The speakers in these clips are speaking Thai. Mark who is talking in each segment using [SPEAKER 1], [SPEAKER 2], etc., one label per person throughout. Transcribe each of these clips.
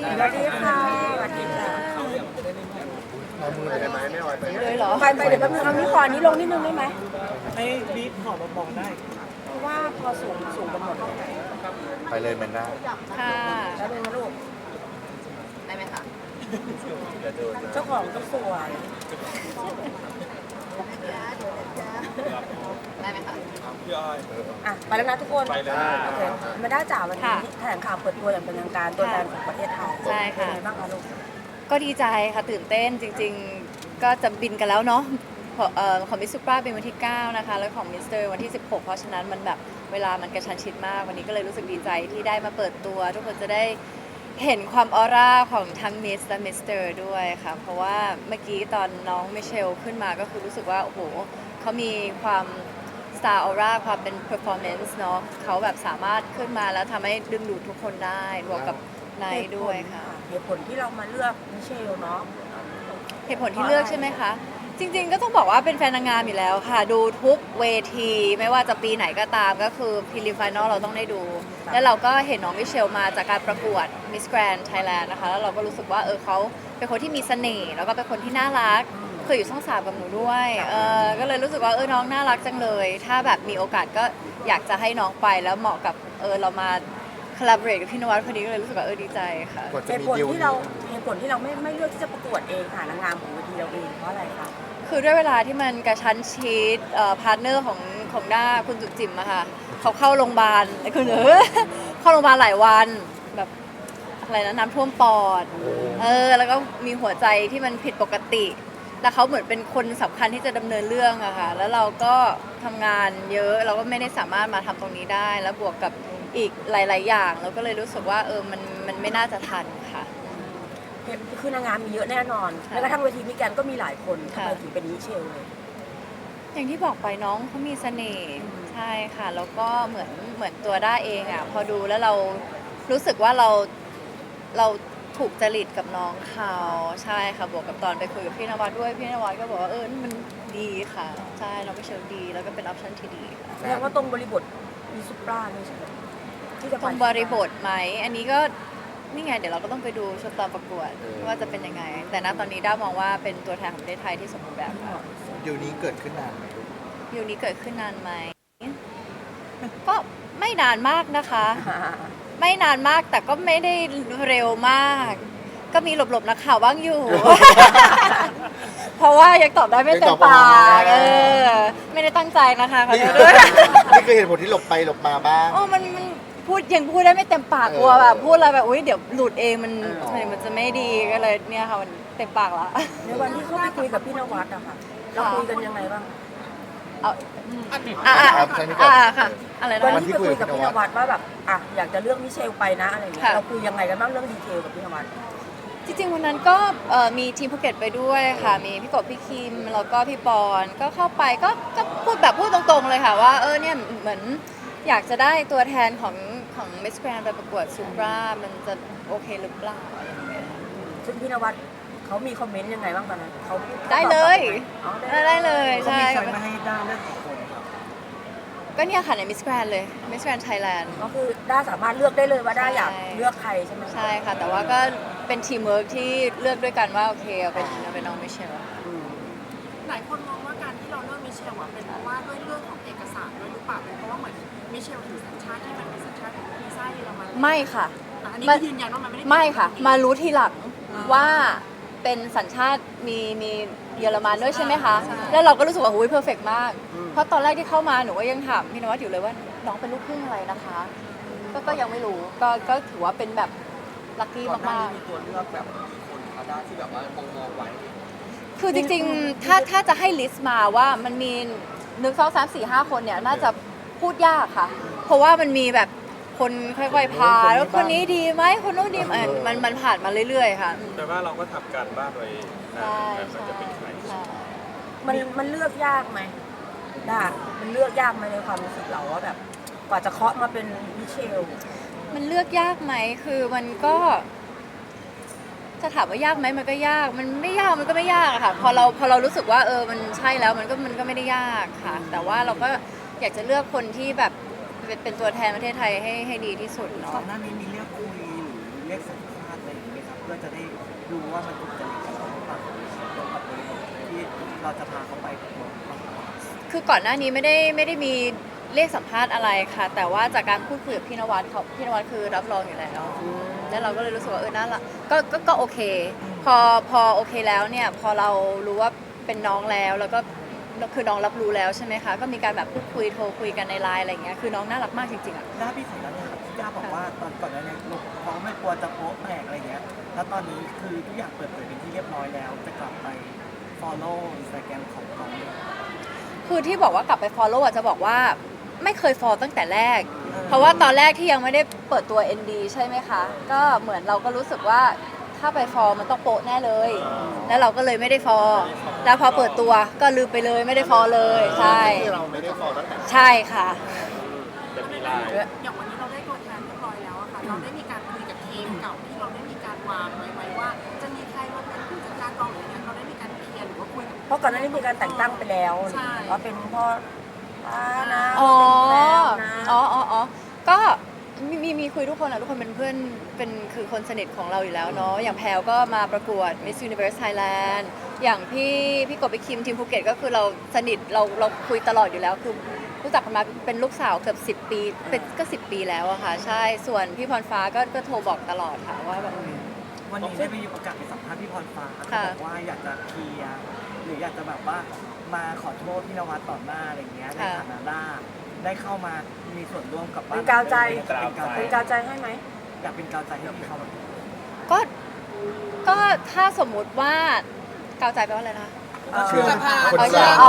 [SPEAKER 1] สวัสดีค่ะสวัสดีค่ะ
[SPEAKER 2] เอามือเลยได้ไหมไม่ออยไป
[SPEAKER 3] เลยเหรอ
[SPEAKER 1] ไปเดี๋ยวแป๊บนึงเอานี่ขอนี้ลงนิดนึงได้ไหม
[SPEAKER 4] ให้บีบขอมาบอกได้
[SPEAKER 1] เพราะว่าพอสูงกันหมดแล้ว
[SPEAKER 2] ไปเลยแมนด้า
[SPEAKER 3] ค่ะ
[SPEAKER 1] แล้วเป็นลูก
[SPEAKER 3] ได้ไหมคะ
[SPEAKER 2] อย่าโดนนะ
[SPEAKER 1] เจ้าของก็สวย
[SPEAKER 3] ได้ไหมคะ
[SPEAKER 1] อ่ะไปแล้วนะทุกคน
[SPEAKER 2] ไปเลย
[SPEAKER 1] โอเคมาได้จ่าวันนี้แถลงข่าวเปิดตัวอย่างเป็นทางการตัวแทนของประเทศไทย
[SPEAKER 3] ใช่ค่ะ
[SPEAKER 1] เป็นไงบ้างคะลูก
[SPEAKER 3] ก็ดีใจค่ะตื่นเต้นจริงๆ ก็จะบินกันแล้วเนาะของมิสซูปราเป็นวันที่ 9 นะคะ แล้วของมิสเตอร์วันที่ 16 เพราะฉะนั้นมันแบบเวลามันกระชั้นชิดมาก วันนี้ก็เลยรู้สึกดีใจที่ได้มาเปิดตัว ทุกคนจะได้เห็นความออร่าของทั้งมิสและมิสเตอร์ด้วยค่ะ เพราะว่าเมื่อกี้ตอนน้องมิเชลขึ้นมาก็คือรู้สึกว่า โอ้โหเขามีความสตาร์ออร่าความเป็น performance เนาะเขาแบบสามารถขึ้นมาแล้วทำให้ดึงดูดทุกคนได้รวมกับไนท์ด้วยค่ะ
[SPEAKER 1] เหตุผลที่เรามาเลือกมิเชลเนาะ
[SPEAKER 3] เหตุผลที่เลือกใช่ไหมคะ จริงๆก็ต้องบอกว่าเป็นแฟนนางงามอยู่แล้วค่ะ ดูทุกเวทีไม่ว่าจะปีไหนก็ตามก็คือพรีลิมไฟนอลเราต้องได้ดู แล้วเราก็เห็นน้องมิเชลมาจากการประกวด Miss Grand Thailand นะคะ แล้วเราก็รู้สึกว่าเขาเป็นคนที่มีเสน่ห์แล้วก็เป็นคนที่น่ารักเคยอยู่ช่อง 3กับหนูด้วยก็เลยรู้สึกว่าน้องน่ารักจังเลย ถ้าแบบมีโอกาสก็อยากจะให้น้องไปแล้วเหมาะกับเรามาคอลลาบเรทกับพี่นวัดพอดีก็เลยรู้สึกว่าดีใจค่ะ
[SPEAKER 2] กว่า
[SPEAKER 1] เห
[SPEAKER 2] จะ
[SPEAKER 1] ตุ
[SPEAKER 2] มี
[SPEAKER 1] ผล
[SPEAKER 2] ดิว
[SPEAKER 1] ที่เราไม่เลือกที่จะประกวดเองค่ะนางงามของเวทีเราเองเพราะอะไรคะ
[SPEAKER 3] คือด้วยเวลาที่มันกระชั้นชิดพาร์ทเนอร์ของด้าคุณจุ๋มจิ๋มอะค่ะเขาเข้าโรงพยาบาลคุณเข้าโรงพยาบาลหลายวันแบบอะไรนะน้ำท่วมปอดแล้วก็มีหัวใจที่มันผิดปกติแล้วเขาเหมือนเป็นคนสำคัญที่จะดำเนินเรื่องอะค่ะแล้วเราก็ทำงานเยอะเราก็ไม่ได้สามารถมาทำตรงนี้ได้ แล้วบวกกับอีกหลาย ๆ อย่างเราก็เลยรู้สึกว่ามันไม่น่าจะทันค่ะ
[SPEAKER 1] คือนางงามมีเยอะแน่นอน
[SPEAKER 3] ค่ะ
[SPEAKER 1] แม้กระทั่งเวทีมิแกรนด์ก็มีหลายคนทำ
[SPEAKER 3] ค่ะ
[SPEAKER 1] ไมถึงเป็นมิเชลเลย
[SPEAKER 3] อย่างที่บอกไปน้องเขามีเสน่ห์ใช่ค่ะแล้วก็เหมือนตัวด้าเองอ่ะพอดูแล้วเรารู้สึกว่าเราถูกจริตกับน้องเขาใช่ค่ะบวกกับตอนไปคุยกับพี่นวัดด้วยพี่นวัดก็บอกว่ามันดีค่ะใช่เราไม่เชิงดีแล้วก็เป็นออปชั่นที่ดีค่ะ
[SPEAKER 1] แสดงว่าตรงบริบทมีซุปราเลยใช่ไหมที่จะไป
[SPEAKER 3] ตรงบริบทไหมอันนี้ก็นี่ไงเดี๋ยวเราก็ต้องไปดูชุดตอนประกวดว่าจะเป็นยังไง แต่ณตอนนี้ด้ามองว่าเป็นตัวแทนของประเทศไทยที่สมบูรณ์แบบค่ะ
[SPEAKER 2] ดิวนี้เกิดขึ้นนานไหมลูก
[SPEAKER 3] วิวนี้เกิดขึ้นนานไหม ก็ไม่นานมากนะคะ ไม่นานมากแต่ก็ไม่ได้เร็วมาก ก็มีหลบๆนักข่าวบ้างอยู่ เพราะว่ายังตอบได้ไม่เต็มปากไม่ได้ตั้งใจนะคะขอโทษด้วย
[SPEAKER 2] นี่คือเหตุผลที่หลบไปหลบมาบ้าง
[SPEAKER 3] โอ้มันยังพูดได้ไม่เต็มปากกลัวแบบพูดอะไรแบบอุ้ยเดี๋ยวหลุดเองมันจะไม่ดีก็เลยเนี่ยค่ะมันเต็มปากละ
[SPEAKER 1] ในวันที่เขาไปคุยกับพี่นวัดอะค่ะเราคุยกันยังไงบ้าง
[SPEAKER 3] เอา
[SPEAKER 2] ใช่ไหมครับ
[SPEAKER 3] ค่ะอะไรนะ
[SPEAKER 1] วันที่ไปคุยกับพี่นวัดว่าแบบอยากจะเลือกมิเชลไปนะอะไรอย่างเงี้ย
[SPEAKER 3] ค่ะ
[SPEAKER 1] เราคุยยังไงกันบ้างเรื่องดีเทลกับพี่นวัด
[SPEAKER 3] จริงๆวันนั้นก็มีทีมภูเก็ตไปด้วยค่ะ มีพี่กบพี่คิมแล้วก็พี่ปอนก็เข้าไปก็พูดตรงๆเลยค่ะว่าเนี่ยเหมือนอยากจะได้ตัวแทนของมิสแกรนไปประกวดซูปรามันจะโอเคหรือเปล่าอะไรอย่างเงี้ย
[SPEAKER 1] ซึ่งพี่นวัดเขามีคอมเมนต์ยังไงบ้างตอนนั้นเขา
[SPEAKER 3] ได้เลย
[SPEAKER 1] อ๋อได้
[SPEAKER 3] ได้เลย
[SPEAKER 4] เขา
[SPEAKER 3] ใช่
[SPEAKER 4] มีใครมาให้ด้าเลือกกี่คนครับ
[SPEAKER 3] ก็เนี่ยค่ะในมิสแกรนเลยมิสแกรนไทยแลนด์
[SPEAKER 1] ก็คือด้าสามารถเลือกได้เลยว่าด้าอยาก
[SPEAKER 3] ใช่
[SPEAKER 1] เลือกใครใช่ไหม
[SPEAKER 3] ใช่ค่ะ แต่ว่าก็เป็นทีมเวิร์กที่เลือกด้วยกันว่าโอเคเอาเป็นน้องมิเชล
[SPEAKER 1] อืม
[SPEAKER 5] หลายคนมองว่าการที่เราเลือกมิเชลอะเป็นเพราะว่าด้วยเรื่องของเอกสารด้วยหรือเปล่าเป็นเพราะว่าเหมือนมิเชลถือสัญชาติที่มันเป็นสัญชาติวีซ่าเยอรมัน
[SPEAKER 3] ไม่ค่ะ
[SPEAKER 5] แต่อันนี้คือยืนยันว่ามันไม่ได้
[SPEAKER 3] ไม่ค่ะ มารู้ทีหลังว่าเป็นสัญชาติมีเยอรมันด้วยใช่ไหมคะ แล้วเราก็รู้สึกว่าเพอร์เฟกมาก เพราะตอนแรกที่เข้ามาหนูก็ยังถามพี่นวัดอยู่เลยว่าน้องเป็นลูกครึ่งอะไรนะคะ ก็ยังไม่รู้ก็ถือว่าเป็นแบบลัคกี้มาก
[SPEAKER 4] มีตัวเลือกแบบคนคาด้าที่แบบว่ามองไว้
[SPEAKER 3] ๆ คือจริงๆ ถ้าจะให้ลิสต์มาว่ามันมี1 2 3 4 5 คนเนี่ยน่าจะพูดยากค่ะ เพราะว่ามันมีแบบคนค่อยๆพาแล้วคนนี้ดีไหมคนนู้นดีไหมมันผ่านมาเรื่อยๆค่ะ
[SPEAKER 6] แต่ว่าเราก็ทำการบ้านไว้
[SPEAKER 3] ใช่
[SPEAKER 6] มันจะเป็นใคร
[SPEAKER 3] ใช่
[SPEAKER 1] มันเลือกยากไหมด้ามันเลือกยากไหมในความรู้สึกเราว่าแบบกว่าจะเคาะมาเป็นมิเชล
[SPEAKER 3] มันเลือกยากไหมคือมันก็จะถามว่ายากไหมมันก็ยาก มันไม่ยากมันก็ไม่ยากอะค่ะ พอเรารู้สึกว่ามันใช่แล้วมันก็ไม่ได้ยากค่ะ แต่ว่าเราก็อยากจะเลือกคนที่แบบเป็นตัวแทนประเทศไทยให้ดีที่สุด
[SPEAKER 4] ก่อ
[SPEAKER 3] เนาะ
[SPEAKER 4] นหน้านี้มีเรียกคุยหรือเรียกสัมภาษณ์อะไรอย่างเงี้ยเพื่อจะได้ดูว่ามันถูกจริตกับเราหรือเปล่าตรงกับบริบทที่เราจะพาเขาไปกับเรา
[SPEAKER 3] คือก่อนหน้านี้ไม่ได้มีเรียกสัมภาษณ์อะไรค่ะ แต่ว่าจากการพูดคุยกับพี่นวัดพี่นวัดคือรับรองอยู่แล้วแล้วเราก็เลยรู้สึกว่าน่ารักก็โอเคพอโอเคแล้วเนี่ยพอเรารู้ว่าเป็นน้องแล้วก็คือน้องรับรู้แล้วใช่ไหมคะก็มีการแบบพูดคุยโทรคุยกันในไลน์อะไรอย่างเงี้ยคือน้องน่ารักมากจริงๆอ่ะ
[SPEAKER 4] หน้าพี่ของนั้นเนี่ยครับที่ย่าบอกว่าตอนก่อนหน้านี้เขาไม่กลัวจะโป๊ะแตกอะไรเงี้ยแล้วตอนนี้คือทุกอย่างเปิดเผยเป็นที่เรียบร้อยแล้วจะกลับไป follow Instagram ของเขาเนี่ย
[SPEAKER 3] คือที่บอกว่ากลับไป follow อ่ะจะบอกว่าไม่เคย follow ตั้งแต่แรก เพราะว่าตอนแรกที่ยังไม่ได้เปิดตัว ND ใช่ไหมคะ ก็เหมือนเราก็รู้สึกว่าถ้าไป follow มันต้องโป๊ะแน่เลย แล้วเราก็เลยไม่ได้ follow แล้วพอเปิดตัวก็ลืมไปเลยไม่ได้ follow เลยใช่
[SPEAKER 2] ที่เราไม่ได้ฟอลตั้งแต่
[SPEAKER 3] ใช่ค่ะ
[SPEAKER 6] จะมีไลน์
[SPEAKER 5] อย่างวันนี้เราได้ตัวแทนเรียบร้อยแล้วอะค่ะ เราได้มีการคุยกับทีมเก่าที่เราได้มีการวางไว้ว่า จะมีใครมาเป็นผู้จัดการกองหรืออะไรเงี้ยเราได้มีการเคลียร์หรือว่าคุยกับ
[SPEAKER 1] เพราะก่อนหน้านี้มีการแต่งตั้งไปแล้ว
[SPEAKER 5] ใช่
[SPEAKER 1] ว่าเป็นพ่อป้านะ
[SPEAKER 3] อ๋อ
[SPEAKER 1] เป็นแฟนนะ
[SPEAKER 3] อ๋อก็มีคุยทุกคนอะทุกคนเป็นเพื่อนเป็นคือคนสนิทของเราอยู่แล้วเนาะอย่างแพลวก็มาประกวด Miss Universe Thailand อย่างพี่กบพี่คิมทีมภูเก็ตก็คือเราสนิทเราคุยตลอดอยู่แล้วคือรู้จักกันมาเป็นลูกสาวเกือบ10 ปีเป็นก็10 ปีแล้วอะค่ะใช่ส่วนพี่พรฟ้าก็โทรบอกตลอดค่ะว่าแบบ
[SPEAKER 4] วันนี้ได้มีโอกาสไปสัมภาษณ์พี่พรฟ้าเขา
[SPEAKER 3] ค่ะ
[SPEAKER 4] บอกว่าอยากจะเคลียร์หรืออยากจะแบบว่ามาขอโทษพี่นวัดต่อหน้าอะไรเงี้ยในฐานะได้เข้ามามีส่วนร่วมกับบ้าน
[SPEAKER 1] เป็นกาวใจ
[SPEAKER 4] เป็นกาวใจ
[SPEAKER 1] เป็นกาวใจให้ไหม
[SPEAKER 4] อยากเป็นกาวใจให้พี่เขาแบบ
[SPEAKER 3] ก็ถ้าสมมุติว่ากาวใจแปลว่าอะไรนะคะ
[SPEAKER 2] เชื่อคน
[SPEAKER 3] เอา
[SPEAKER 2] สร้าง
[SPEAKER 3] เอา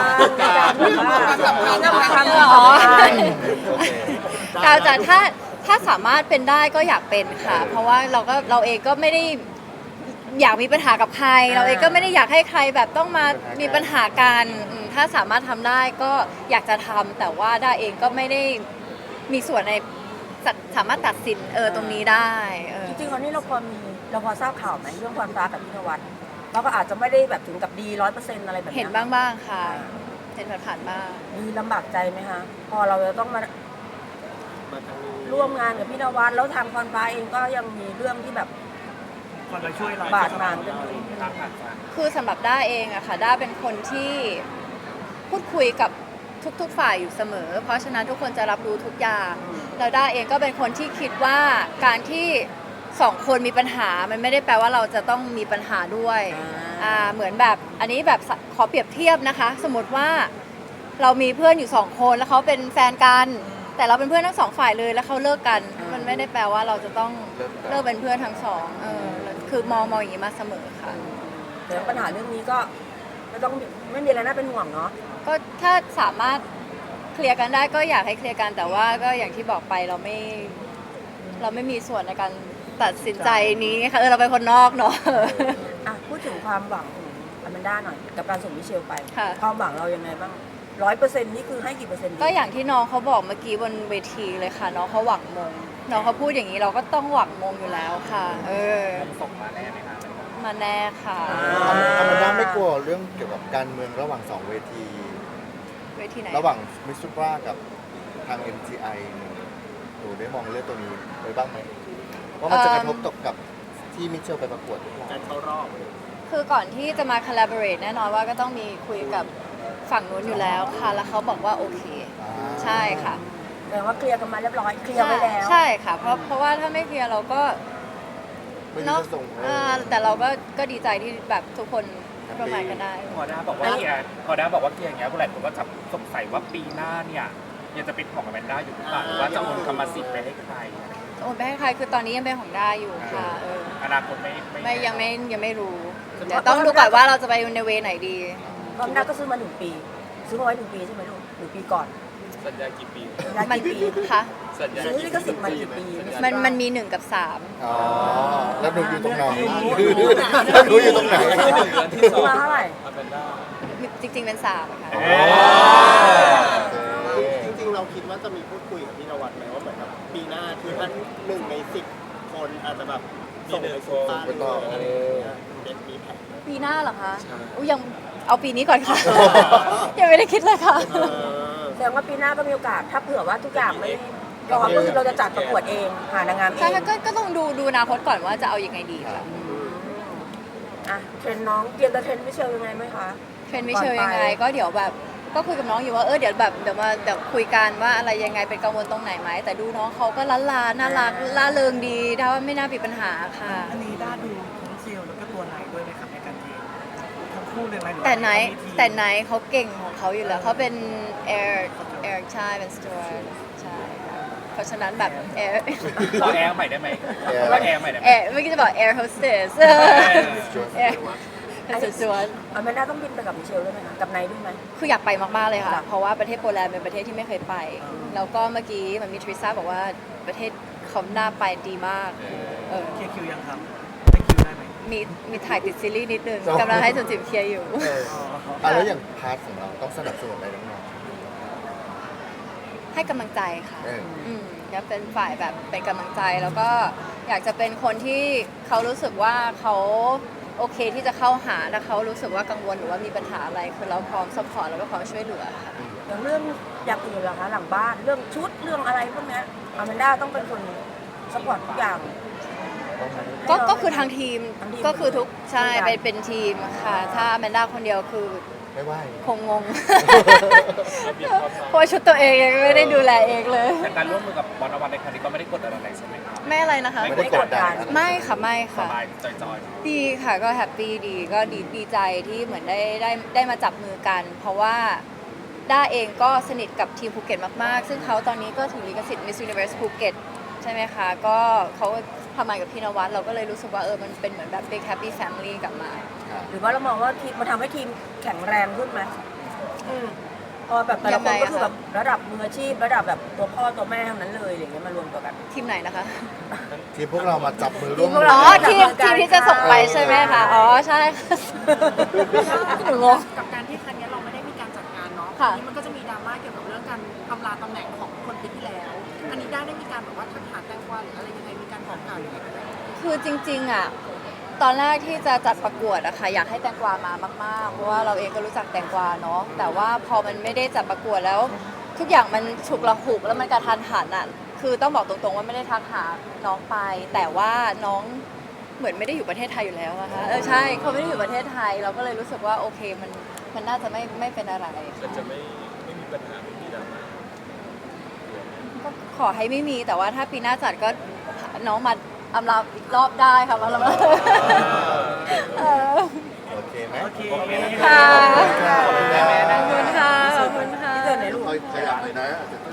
[SPEAKER 3] กาวใจถ้าสามารถเป็นได้ก็อยากเป็นค่ะ เพราะว่าเราเองก็ไม่ได้อยากมีปัญหากับใคร เราเองก็ไม่ได้อยากให้ใครแบบต้องมามีปัญหากันถ้าสามารถทำได้ก็อยากจะทำแต่ว่าด้าเองก็ไม่ได้มีส่วนในสามารถตัดสินตรงนี้ได้
[SPEAKER 1] จริงๆวันนี้เราพอทราบข่าวไหมเรื่องความรักกับพี่นวัดเราก็อาจจะไม่ได้แบบถึงกับดี 100%อะไรแบบนี้
[SPEAKER 3] เห็นบ้างๆค่ะ เห็นผ่านๆบ้าง
[SPEAKER 1] มีลำบากใจไหมคะพอเราจะต้องมาร่วมงานกับพี่นวัดแล้วทางพรฟ้าเองก็ยังมีเรื่องที่แบบ
[SPEAKER 4] คนมาช่วยเรา
[SPEAKER 1] บาดหมางกันอยู่
[SPEAKER 3] คือสำหรับด้าเองอะค่ะด้าเป็นคนที่พูดคุยกับทุกๆฝ่ายอยู่เสมอ เพราะฉะนั้นทุกคนจะรับรู้ทุกอย่างแล้วด้าเองก็เป็นคนที่คิดว่าการที่สองคนมีปัญหามันไม่ได้แปลว่าเราจะต้องมีปัญหาด้วยเหมือนแบบอันนี้แบบขอเปรียบเทียบนะคะ สมมติว่าเรามีเพื่อนอยู่2 คนแล้วเขาเป็นแฟนกัน แต่เราเป็นเพื่อนทั้ง2 ฝ่ายเลยแล้วเขาเลิกกัน มันไม่ได้แปลว่าเราจะต้องเลิกเป็นเพื่อนทั้งสองคือมองอย่างนี้มาเสมอค่ะ
[SPEAKER 1] แต่ปัญหาเรื่องนี้ก็ไม่มีอะไรน่าเป็นห่วงเนาะ
[SPEAKER 3] ก็ถ้าสามารถเคลียร์กันได้ก็อยากให้เคลียร์กันแต่ว่าก็อย่างที่บอกไปเราไม่มีส่วนในการตัดสินใจนี้ค่ะเราเป็นคนนอกเนาะ
[SPEAKER 1] อ่ะพูดถึงความหวังของอแมนด้าหน่อยกับการส่งมิเชลไป
[SPEAKER 3] ค่ะ
[SPEAKER 1] ความหวังเรายังไงบ้าง100%นี่คือให้กี่เปอร์เซ็นต์ดี
[SPEAKER 3] ก็อย่างที่น้องเขาบอกเมื่อกี้บนเวทีเลยค่ะน้องเขาหวังมงน้องเขาพูดอย่างนี้เราก็ต้องหวังมงอยู่แล้วค่ะ
[SPEAKER 6] ส่งมาแน่ไหมคะ
[SPEAKER 3] มาแน่ค่ะ
[SPEAKER 2] อแมนด้าไม่กลัวเรื่องเกี่ยวกับการเมืองระหว่างสองเวที
[SPEAKER 3] เวทีไหน
[SPEAKER 2] ระหว่างมิสซูปรากับทาง MTI หนูได้มองเรื่องตัวนี้ไว้บ้างไหมว่ามันจะกระทบตกกับที่มิเชลไปประกวดหรือเปล่า
[SPEAKER 6] การเข้ารอบ
[SPEAKER 3] คือก่อนที่จะมา collaborate แน่นอนว่าก็ต้องมีคุยกับฝั่งนู้นอยู่แล้วค่ะแล้วเขาบอกว่าโอเค ใช่ค่ะ
[SPEAKER 1] แปลว่าเคลียร์กันมาเรียบร้อยเคลียร์ไว้แล้ว
[SPEAKER 3] ใช่ค่ะเพราะว่าถ้าไม่เคลียร์เราก็
[SPEAKER 2] ไม่รู้
[SPEAKER 3] เนาะ
[SPEAKER 2] จะส่ง
[SPEAKER 3] แต่เราก็ดีใจที่แบบทุกคนร่วมงานกันได้
[SPEAKER 6] พอด้าบอกว่าเคลียร์อย่างเงี้ยผู้หลายคนก็จะสงสัยว่าปีหน้าเนี่ยยังจะเป็นของอแมนด้าอยู่หรือเปล่าหรือว่าจะโอนกรรมสิทธิ์ไปให้ใคร
[SPEAKER 3] โอนไปให้ใครคือตอนนี้ยังเป็นของด้าอยู่ค่ะ
[SPEAKER 6] อนาคตไม่
[SPEAKER 3] ยังไม่รู้เดี๋ยวต้องดูก่อนว่าเราจะไปในเวไหนดี
[SPEAKER 1] อแมนด้าก็ซื้อมา1 ปี ซื้อมาไว้1 ปีใช่ไหมลูก1 ปีก่อน
[SPEAKER 6] สัญญากี่ปี
[SPEAKER 1] สัญญากี่ปี
[SPEAKER 3] ค่ะ
[SPEAKER 6] สัญญา
[SPEAKER 1] ซื้อลิขสิทธิ์มากี่ปี
[SPEAKER 3] มันมี1 กับ
[SPEAKER 2] อ๋อแล้วหนูอยู่ตรงไหนแล้วหนูอยู่ตรงไหน
[SPEAKER 1] ซื้อมาเท่าไหร่
[SPEAKER 6] อแมนด้า
[SPEAKER 3] 3จริงๆเป็น3ค่ะ
[SPEAKER 7] จริงๆ เราคิดว่าจะมีพูดคุยกับพี่นวัดไหมว่าเหมือนแบบปีหน้าคือท่าน1 ใน 10 คนอาจจะแบบส่งไปสู่ฟ้าหรืออะไรอย่างเงี้ยเป็นมีแผน
[SPEAKER 3] ปีหน้าเหรอคะอุ๊ยยังเอาปีนี้ก่อนค่ะ ยังไม่ได้คิดเลยค่ะ
[SPEAKER 7] เออ
[SPEAKER 1] แสดงว่าปีหน้าก็มีโอกาสถ้าเผื่อว่าทุกอย่างเราก็คือเราจะจัดประกวดเองหานางงามเอ
[SPEAKER 3] ใช่
[SPEAKER 1] ง
[SPEAKER 3] ค่ะก็ต้องดูอนาคตก่อนว่าจะเอายังไงดีค่ะ
[SPEAKER 1] อ่ะเทรนน้องเตรียมจะเทรนมิเชลยังไงไหมคะ
[SPEAKER 3] เทรนด์มิเชลยังไงก็เดี๋ยวแบบก็คุยกับน้องอยู่ว่าเดี๋ยวแบบเดี๋ยวคุยกันว่าอะไรยังไงเป็นกังวลตรงไหนไหมแต่ดูน้องเขาก็ล้านน่ารักล่าเริงดีถ้าว่าไม่น่ามีปัญหาค่ะ
[SPEAKER 4] อันนี้ด้าดูทั้งเซลล์แล้วก็ตัวไหนด้วยไหมครับในการเทรนทั้งคู่เลยไหมหรือว่า
[SPEAKER 3] แต่ไหน
[SPEAKER 4] เขามีทีม
[SPEAKER 3] แต่ไหนเขาเก่งของเขาอยู่แล้วเขาเป็นแอร์ใช่เป็นสจวตใช่ค่ะเพราะฉะนั้นแบบแอร์
[SPEAKER 6] ขอแอร์ใหม่ได้ไหมขอแอร์ใหม่ได้ไหม
[SPEAKER 3] แอร์เมื่อกี้จะบอกแอร์โฮสเตสแอร์เป็นสจวต
[SPEAKER 1] อแมนด้าต้องบินไปกับมิเชลด้วยไหมคะกับไนท์ด้วยไหม
[SPEAKER 3] คืออยากไปมาก ๆ เลยค่ะ
[SPEAKER 1] จ้ะ
[SPEAKER 3] เพราะว่าประเทศโปแลนด์เป็นประเทศที่ไม่เคยไป แล้วก็เมื่อกี้มันมีทริซ่าบอกว่าประเทศเขาน่าไปดีมากเออ
[SPEAKER 4] เคลียร์คิวยังครับได้คิวได้ไหม
[SPEAKER 3] มีถ่ายติดซีรีส์นิดนึงกำลังให้จุนจิมเคลียร์อยู่
[SPEAKER 2] แล้วอย่างพาร์ทของเราต้องสนับสนุนอะไรน้อง
[SPEAKER 3] ให้กำลังใจค่ะ
[SPEAKER 2] เออ
[SPEAKER 3] จะเป็นฝ่ายแบบเป็นกำลังใจแล้วก็อยากจะเป็นคนที่เขารู้สึกว่าเขาโอเคที่จะเข้าหาถ้าเขารู้สึกว่ากังวลหรือว่ามีปัญหาอะไรคือเราพร้อมซัพพอร์ตแล้วก็พร้อมช่วยเหลือค่ะ
[SPEAKER 1] อย่างเรื่องอย่างอื่นเหรอคะหลังบ้านเรื่องชุดเรื่องอะไรพวกเนี้ยอแมนด้าต้องเป็นคนสปอร์ตทุกอย่าง
[SPEAKER 3] ก็คือทางทีม
[SPEAKER 1] ทางทีม
[SPEAKER 3] ก็คือทุกใช่
[SPEAKER 1] ทุกอย่าง
[SPEAKER 3] เป็นทีมค่ะ ถ้าแมนด้าคนเดียวคือ
[SPEAKER 2] ไม่ไหว
[SPEAKER 3] คงงง เพราะว่าชุดตัวเองยังไม่ได้ดูแลเองเลย
[SPEAKER 6] แต่การร่วมมือกับบอลอวันในครั้งนี้ก็ไม่ได้กดดันอะไรใช่ไหมครับ
[SPEAKER 3] ไม่อะไรนะคะ
[SPEAKER 2] ไม่ได้กดดัน
[SPEAKER 3] ไม่ค่ะไม่
[SPEAKER 6] ส
[SPEAKER 3] ค่ะ
[SPEAKER 6] บายจอยๆ
[SPEAKER 3] ดีค่ะก็แฮปปี้ดีก็ดีใจที่เหมือนได้มาจับมือกัน เพราะว่าด้าเองก็สนิทกับทีมภูเก็ตมากๆ ซึ่งเขาตอนนี้ก็ถือลิขสิทธิ์ Miss Universe ภูเก็ตใช่ไหมคะ ก็เขาทำงานกับพี่นวัดเราก็เลยรู้สึกว่ามันเป็นเหมือนแบบ big happy family กลับมา
[SPEAKER 1] หรือว่าเรามองว่าทีมมันทำให้ทีมแข็งแรงขึ้นไหมพอแบบแต่ละคนก็คือแบบระดับมืออาชีพระดับแบบตัวพ่อตัวแม่ทั้งนั้นเลยอย่างเงี้ยมารวมตัวกัน
[SPEAKER 3] ทีมไหนนะคะ
[SPEAKER 2] ที่พวกเรามาจับมือร่วม
[SPEAKER 1] ทีมพวก
[SPEAKER 2] มื
[SPEAKER 1] เรา
[SPEAKER 3] อ๋อทีมที่จะส่งไปใช่ไหมคะอ๋อใช่ค่ะหนูงง
[SPEAKER 5] กับการที่ครั้งนี้เราไม่ได้มีการจัดงานเนาะ
[SPEAKER 3] ค่ะ
[SPEAKER 5] ทีนี้มันก็จะมีดราม่าเกี่ยวกับเรื่องการอำลาตำแหน่งของคนปีที่แล้ว อันนี้ได้มีการแบบว่าทักหาแตงกวาหรืออะไรยังไงมีการบอกกล่าวยังไงกันไหม
[SPEAKER 3] คือจริงๆอ่ะตอนแรกที่จะจัดประกวดอะค่ะอยากให้แตงกวามามากๆเพราะว่าเราเองก็รู้จักแตงกวาเนาะแต่ว่าพอมันไม่ได้จัดประกวดแล้ว ทุกอย่างมันฉุกละหุกแล้วมันกระทันหันอ่ะคือต้องบอกตรงๆว่าไม่ได้ทักหาน้องไป แต่ว่าน้องเหมือนไม่ได้อยู่ประเทศไทยอยู่แล้วนะคะใช่เขาไม่ได้อยู่ประเทศไทยเราก็เลยรู้สึกว่าโอเคมันน่าจะไม่เป็นอะไร
[SPEAKER 8] จะไม่มีปัญหาไม่มีดราม่า
[SPEAKER 3] ก็ขอให้ไม่มีแต่ว่าถ้าปีหน้าจัดก็น้องมาอำลาอีกรอบได้ค่ะมาละมาเออ
[SPEAKER 2] โอเคไหม
[SPEAKER 4] โอเค
[SPEAKER 3] ค่ะ
[SPEAKER 2] ขอบคุณค่ะ
[SPEAKER 3] ขอบคุณค่ะขอบคุณค่ะ
[SPEAKER 1] ที่เจอในรูป
[SPEAKER 2] ขยับเลยนะ